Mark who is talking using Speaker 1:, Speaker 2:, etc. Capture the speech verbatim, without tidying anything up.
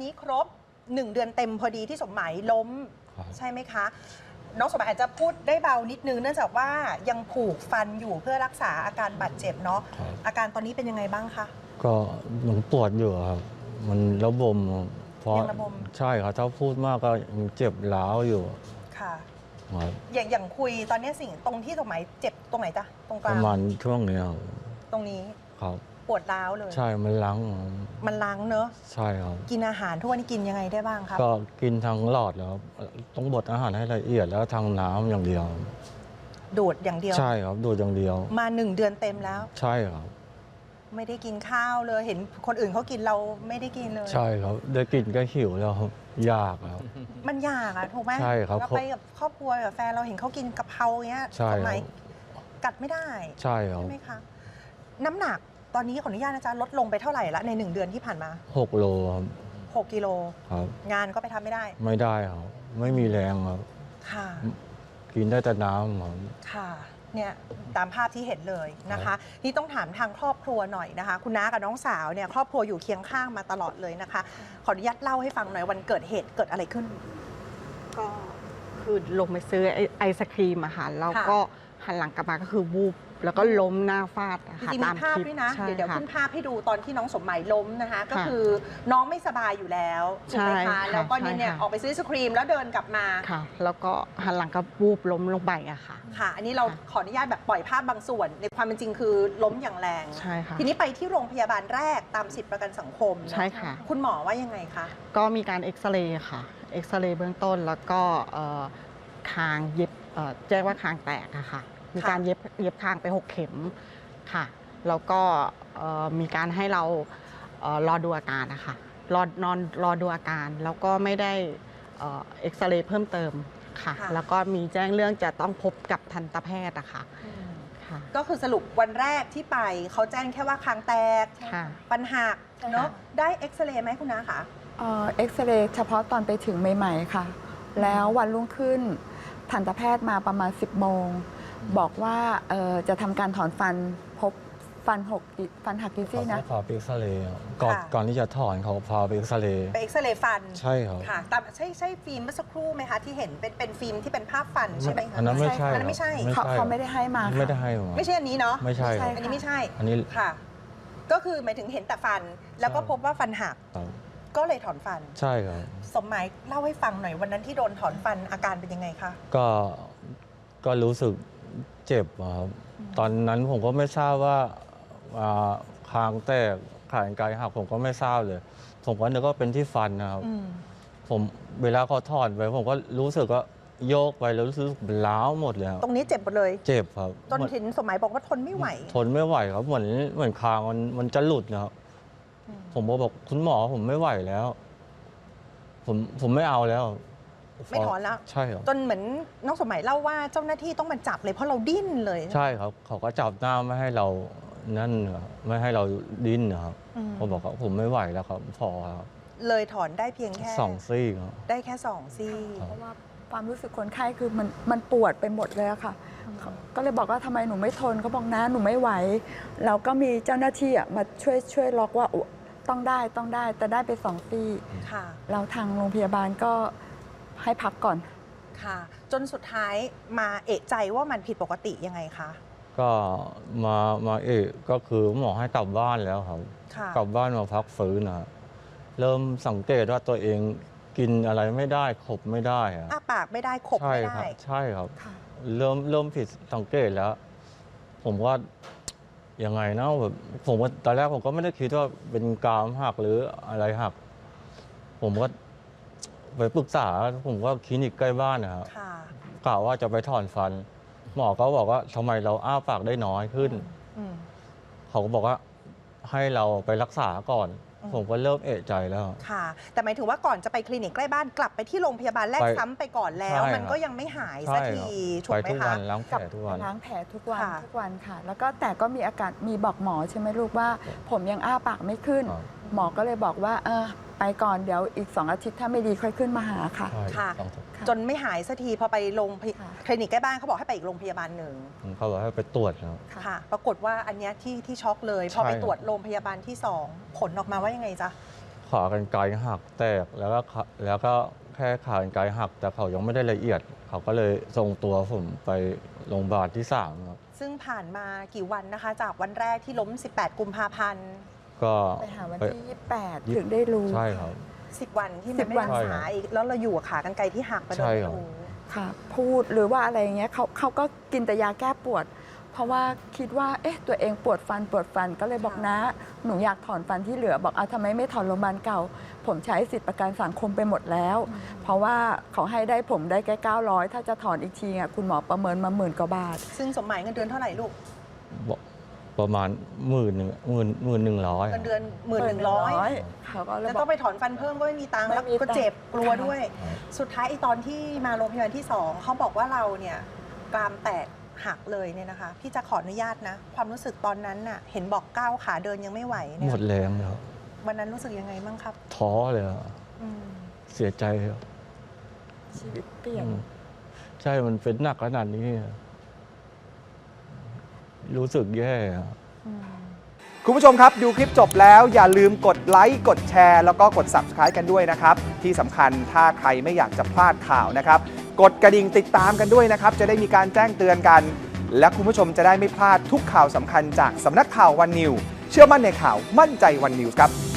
Speaker 1: นี้ครบหนึ่งเดือนเต็มพอดีที่สมหมายล้มใช่ไหมคะน้องสมหมายอาจจะพูดได้เบานิดนึงเนื่องจากว่ายังผูกฟันอยู่เพื่อรักษาอาการบาดเจ็บเนาะอาการตอนนี้เป็นยังไงบ้างคะ
Speaker 2: ก็หนูปวดอยู่ครับมันระบมเพราะใช่ครับถ้าพูดมากก็ยังเจ็บร้าวอยู่
Speaker 1: ค่ะอย่างอย่างคุยตอนนี้สิ่งตรงที่สมหมายเจ็บตรงไหนจ๊ะตรงกลาง
Speaker 2: ประมาณช่วงนี้ครับ
Speaker 1: ตรงนี้
Speaker 2: ครับ
Speaker 1: ปวดร้าวเลย
Speaker 2: ใช่มันล้าง
Speaker 1: มันล้างเนอะ
Speaker 2: ใช่ครับ
Speaker 1: กินอาหารทุกวันนี้กินยังไงได้บ้างครับ
Speaker 2: ก็กินทางหลอดแล้วต้องบดอาหารให้ละเอียดแล้วทางน้ำอย่างเดียว
Speaker 1: ดูดอย่างเดียว
Speaker 2: ใช่ครับดูดอย่างเดียว
Speaker 1: มาหนึ่งเดือนเต็มแล้ว
Speaker 2: ใช่ครับ
Speaker 1: ไม่ได้กินข้าวเลยเห็นคนอื่นเขากินเราไม่ได้กินเลย
Speaker 2: ใช่ครับได้กินก็หิวแล้วครับยากแล้ว
Speaker 1: มันยากอะถูกไหม
Speaker 2: ใช่ครับ
Speaker 1: เราไปกับครอบครัวกับแฟนเราเห็นเขากินกะเพราเงี้ยทำไมกัดไม่ได้
Speaker 2: ใช่ครับ
Speaker 1: ใช่ไหมคะน้ำหนักตอนนี้ขออนุญาตนะจ๊ะลดลงไปเท่าไหร่ละในหนึ่งเดือนที่ผ่านมา
Speaker 2: หกโลครับ
Speaker 1: หกกิโล
Speaker 2: ครับ
Speaker 1: งานก็ไปทำไม่ได้
Speaker 2: ไม่ได้ครับไม่มีแรงครับ
Speaker 1: ค่ะ
Speaker 2: กินได้แต่น้ำครับ
Speaker 1: ค่ะเนี่ยตามภาพที่เห็นเลยนะคะนี่ต้องถามทางครอบครัวหน่อยนะคะคุณน้ากับน้องสาวเนี่ยครอบครัวอยู่เคียงข้างมาตลอดเลยนะคะขออนุญาตเล่าให้ฟังหน่อยวันเกิดเหตุเกิดอะไรขึ้น
Speaker 3: ก็คือลงไปซื้อไอศครีมอาหารแล้วก็หันหลังกลับมาก็คือวูบแล้วก็ล้มหน้าฟาด
Speaker 1: จริงๆมีภาพด้วยนะเดี๋ยวเดี๋ยวขึ้นภาพให้ดูตอนที่น้องสมหมายล้มนะคะก็คือน้องไม่สบายอยู่แล้วถูกไหมคะแล้วก็นี่เนี่ยออกไปซื้อไอศครีมแล้วเดินกลับมา
Speaker 3: ค่ะแล้วก็หันหลังก็วูบล้มลงไปอะค่ะ
Speaker 1: ค่ะอันนี้เราขออนุญาตแบบปล่อยภาพบางส่วนในความเป็นจริงคือล้มอย่างแรง
Speaker 3: ใช่ค่ะ
Speaker 1: ทีนี้ไปที่โรงพยาบาลแรกตามสิทธิประกันสังคม
Speaker 3: ใช่ค่ะ
Speaker 1: คุณหมอว่ายังไงคะ
Speaker 3: ก็มีการเอ็กซเรย์ค่ะเอ็กซเรย์เบื้องต้นแล้วก็คางเย็บแจ้งว่าคางแตกอะค่ะมีการเย็บเย็บคางไปหกเข็มค่ะแล้วก็มีการให้เรารอดูอาการนะคะรอนอนรอดูอาการแล้วก็ไม่ได้เอ็กซเรย์เพิ่มเติมค่ะแล้วก็มีแจ้งเรื่องจะต้องพบกับทันตแพทย์อะค่ะ
Speaker 1: ก็คือสรุปวันแรกที่ไปเขาแจ้งแค่ว่าคางแตกปัญหาเนาะได้เอ็กซเรย์ไหมคุณน้าคะ
Speaker 4: เอ็กซเรย์เฉพาะตอนไปถึงใหม่ๆค่ะแล้ววันรุ่งขึ้นทันตแพทย์มาประมาณสิบโมงบอกว่าจะทำการถอนฟันพบฟันหกฟันหักกี่ซี่นะ
Speaker 2: พาไปเอ็กซเรย์ก่อนก่อนที่จะถอนเขาพาไปเอ็กซเรย์
Speaker 1: ไปเอ็กซเรย์ฟัน
Speaker 2: ใช่ครับ
Speaker 1: ค่ะตามใช่ใช่ฟิล์มเมื่อสักครู่ไหมคะที่เห็นเป็นเป็นฟิล์มที่เป็นภาพฟันใช่ไหมคะ
Speaker 2: อันนั้นไม่ใช่
Speaker 1: อันนั้นไม่ใช่
Speaker 4: เขาไม่ได้ให้มา
Speaker 2: ไม่ได้ให้มา
Speaker 1: ไม่ใช่อันนี้เนาะ
Speaker 2: ไม่ใช่
Speaker 1: อันนี้ไม่ใช่
Speaker 2: อันนี้
Speaker 1: ค่ะก็คือหมายถึงเห็นแต่ฟันแล้วก็พบว่าฟันหักก็เลยถอนฟัน
Speaker 2: ใช่ครับ
Speaker 1: สมหมายเล่าให้ฟังหน่อยวันนั้นที่โดนถอนฟันอาการเป็นยังไงคะ
Speaker 2: ก็ก็รู้สึกเจ็บครับตอนนั้นผมก็ไม่ทราบว่าคางแตกขากรรไกรหักผมก็ไม่ทราบเลยผมก็นึกว่าเป็นที่ฟันนะครับผมเวลาเขาถอนไปผมก็รู้สึกว่าโยกไปแล้วรู้สึกล้าวหมดเลย
Speaker 1: ตรงนี้เจ็บหมดเลย
Speaker 2: เจ็บครับ
Speaker 1: จนถึงสมัยบอกว่าทนไม่ไหว
Speaker 2: ทนไม่ไหวครับเหมือนเหมือนคางมันมันจะหลุดนะครับผมบอกคุณหมอผมไม่ไหวแล้วผมผมไม่เอาแล้ว
Speaker 1: ไม่ถอนแล้ว
Speaker 2: ใช่ครับ
Speaker 1: จนเหมือนน้องสมัยเล่าว่าเจ้าหน้าที่ต้องมาจับเลยเพราะเราดิ้นเลย
Speaker 2: ใช่ครับเขาก็จับหน้าไม่ให้เรานั่นไม่ให้เราดิ้นนะครับผมบอกว่าผมไม่ไหวแล้วครับพอครับ
Speaker 1: เลยถอนได้เพียงแค่
Speaker 2: สองซี่ครับ
Speaker 1: ได้แค่สองซี่
Speaker 4: เพราะว่าความรู้สึกคนไข้คือมันมันปวดไปหมดเลยค่ะก็เลยบอกว่าทำไมหนูไม่ทนเขาบอกนะหนูไม่ไหวเราก็มีเจ้าหน้าที่มาช่วยช่วยล็อกว่าต้องได้ต้องได้แต่ได้ไปสองซี่เราทางโรงพยาบาลก็ให้พักก่อน
Speaker 1: ค่ะจนสุดท้ายมาเอะใจว่ามันผิดปกติยังไงคะ
Speaker 2: ก็มามาเอะก็คือหมอให้กลับบ้านแล้วครับกลับบ้านมาพักฟื้นนะเริ่มสังเกตว่าตัวเองกินอะไรไม่ได้ขบไม่ได้
Speaker 1: อ้าปากไม่ได้ขบไม่ได้
Speaker 2: ใช่ครับเริ่มเริ่มผิดสังเกตแล้วผมว่ายังไงนะแบบผมว่าตอนแรกผมก็ไม่ได้คิดว่าเป็นกรามหักหรืออะไรหักผมก็ไปปรึกษาผมว่าคลินิกใกล้บ้านนะครับกล่าวว่าจะไปถอนฟันหมอก็บอกว่าทำไมเราอ้าปากได้น้อยขึ้นเขาก็บอกว่าให้เราไปรักษาก่อนผมก็เริ่มเอะใจแล้ว
Speaker 1: ค่ะแต่หมายถึงว่าก่อนจะไปคลินิกใกล้บ้านกลับไปที่โรงพยาบาลแรกซ้ำไปก่อนแล้วมันก็ยังไม่หายสักที
Speaker 2: ถูกไหมคะไปทุกวันล้างแผลทุกวัน
Speaker 4: ล้างแผลทุกวันทุกวันค่ะแล้วก็แต่ก็มีอาการมีบอกหมอใช่ไหมลูกว่าผมยังอ้าปากไม่ขึ้นหมอก็เลยบอกว่าเออไปก่อนเดี๋ยวอีกสองอาทิตย์ถ้าไม่ดีค่อยขึ้นมาหาค่ะ
Speaker 1: ค่ะจนไม่หายสักทีพอไปโรงคลินิกใกล้บ้านเขาบอกให้ไปอีกโรงพยาบาลหนึ่ง
Speaker 2: เขาบอกให้ไปตรวจ
Speaker 1: ค่ะปรากฏว่าอันนี้ที่ที่ช็อกเลยพอไปตรวจโรงพยาบาลที่สองผลออกมาว่ายังไงจ๊ะ
Speaker 2: เขากรรไกรหักแตกแล้วก็ขาแล้วก็แค่ขากรรไกรหัก แต่เขายังไม่ได้ละเอียด เขาก็เลยส่งตัวผมไปโรงพยาบาลที่สามครับ
Speaker 1: ซึ่งผ่านมากี่วันนะคะ จากวันแรกที่ล้ม สิบแปด กุมภาพันธ์
Speaker 2: ก็
Speaker 4: ไปหาวัน
Speaker 2: ไป
Speaker 4: ที่ยี่สิบแปดถึงได้รู้
Speaker 2: ใช่ครับ
Speaker 1: สิบ วันที่
Speaker 4: สิ
Speaker 1: มัน
Speaker 4: บ
Speaker 1: ไม่
Speaker 4: วัน
Speaker 1: รักษาอีกแล้วเราอยู่กับขากรรไกรที่หักไปโดย
Speaker 2: ใช่
Speaker 1: ไม่
Speaker 2: ครับ
Speaker 1: รู้
Speaker 4: ค่ะ พูดหรือว่าอะไรอย่างเงี้ยเขาเขาก็กินแต่ยาแก้ปวด เพราะว่าคิดว่าเอ๊ะตัวเองปวดฟันปวดฟันก็เลยบอกนะหนูอยากถอนฟันที่เหลือบอกเอาทำไมไม่ถอนโรงพยาบาลเก่า ผมใช้สิทธิประกันสังคมไปหมดแล้ว เพราะว่าเขาให้ได้ผมได้แค่เก้าร้อยถ้าจะถอนอีกทีอ่ะคุณหมอประเมินมาหมื่นกว่าบาท
Speaker 1: ซึ่งสมหมายเงินเดือนเท่าไหร่ลูก
Speaker 2: บอกประมาณหมื่นหนึ่งหมื่นหมื่นหนึ่งร้อย
Speaker 1: เงินเดือนหมื่นหนึ่งร้อย
Speaker 4: เขาก็เลย
Speaker 1: แล้ว
Speaker 4: บ
Speaker 1: ต้
Speaker 4: อ
Speaker 1: อก งไปถอนฟันเพิ่มก็ไม่มีตังค์
Speaker 4: ไม่
Speaker 1: แล้ว
Speaker 4: มี
Speaker 1: ก็
Speaker 4: ตังค์
Speaker 1: เจ็บกลัว
Speaker 4: ค่ะ
Speaker 1: ด้วย สุดท้ายไอ้ตอนที่มาโรงพยาบาลที่สองเขาบอกว่าเราเนี่ยกรามแตกหักเลยเนี่ยนะคะ พี่จะขออนุญาตนะ ความรู้สึกตอนนั้นน่ะเห็นบอกก้าวขาเดินยังไม่ไหวเนี่
Speaker 2: ห
Speaker 1: ย
Speaker 2: มดแรงเลยครับ
Speaker 1: วันนั้นรู้สึกยังไงบ้างครับ
Speaker 2: ท้อเลยครับ
Speaker 1: อืม
Speaker 2: เสียใจครับ
Speaker 4: ชีวิตเปลี่ยน
Speaker 2: อืมใช่มันเป็นหนักขนาดนี้อะรู้สึกแย่อะ
Speaker 5: คุณผู้ชมครับดูคลิปจบแล้วอย่าลืมกดไลค์กดแชร์แล้วก็กด ซับสไครบ์ กันด้วยนะครับ ที่สำคัญถ้าใครไม่อยากจะพลาดข่าวนะครับ กดกระดิ่งติดตามกันด้วยนะครับ จะได้มีการแจ้งเตือนกัน และคุณผู้ชมจะได้ไม่พลาดทุกข่าวสำคัญจากสำนักข่าววันนิวเชื่อมั่นในข่าวมั่นใจวันนิวส์ครับ